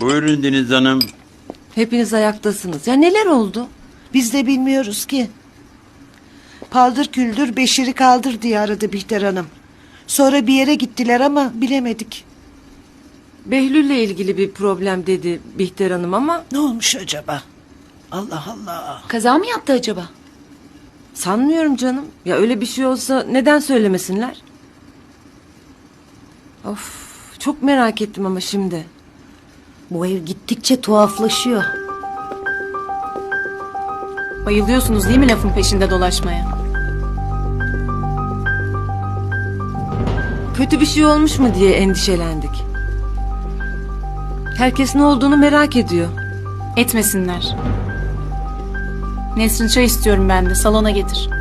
Buyurun Deniz Hanım. Hepiniz ayaktasınız. Ya neler oldu? Biz de bilmiyoruz ki. Paldır küldür Beşir'i kaldır diye aradı Bihter Hanım. Sonra bir yere gittiler ama bilemedik. Behlül'le ilgili bir problem dedi Bihter Hanım ama Ne olmuş acaba? Allah Allah. Kaza mı yaptı acaba? sanmıyorum canım. Ya öyle bir şey olsa neden söylemesinler? Of, çok merak ettim ama şimdi. Bu ev gittikçe tuhaflaşıyor. Bayılıyorsunuz değil mi lafın peşinde dolaşmaya? Kötü bir şey olmuş mu diye endişelendik. Herkes ne olduğunu merak ediyor. Etmesinler. Nesrin çay istiyorum ben de. Salona getir.